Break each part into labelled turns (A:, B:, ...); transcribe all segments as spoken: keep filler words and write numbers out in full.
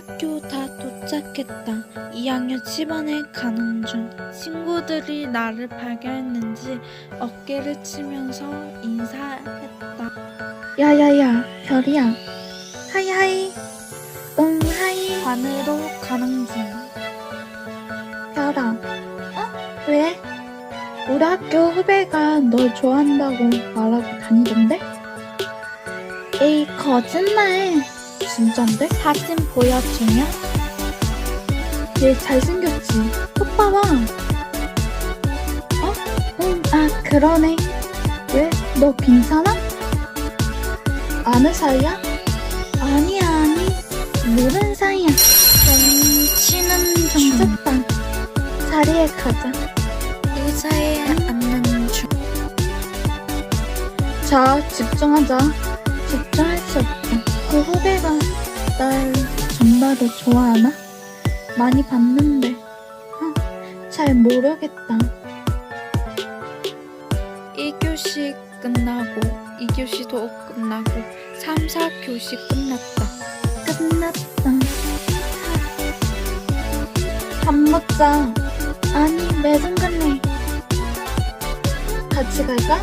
A: 학교 다 도착했다. 이 학년 십 반에 가는 중. 친구들이 나를 발견했는지 어깨를 치면서 인사했다.
B: 야야야, 별이야. 하이하이. 응, 하이.
A: 반으로 가는 중.
B: 별아. 어? 왜? 우리 학교 후배가 널 좋아한다고 말하고 다니던데? 에이, 거짓말. 진짠데?
A: 사진 보여주면?
B: 얘 잘생겼지? 오빠 봐. 어? 응, 아, 그러네. 왜? 너 괜찮아? 아는 사이야? 아니야, 아니. 모르는 사이야.
A: 좀 치는 중.
B: 좋다. 자리에 가자.
A: 의자에 앉는 중.
B: 자, 집중하자. 집중할 수 없다. 그 후배가 날 정말로 좋아하나? 많이 봤는데 어, 잘 모르겠다.
A: 일 교시 끝나고 이 교시도 끝나고 삼, 사 교시 끝났다.
B: 끝났다. 밥 먹자. 아니, 매점 갈래. 같이 갈까?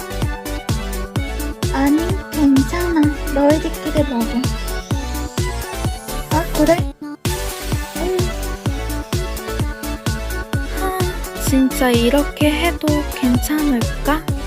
B: 아니, 괜찮아. 너희들끼리 먹어. 아, 그래? 응.
A: 하, 진짜 이렇게 해도 괜찮을까?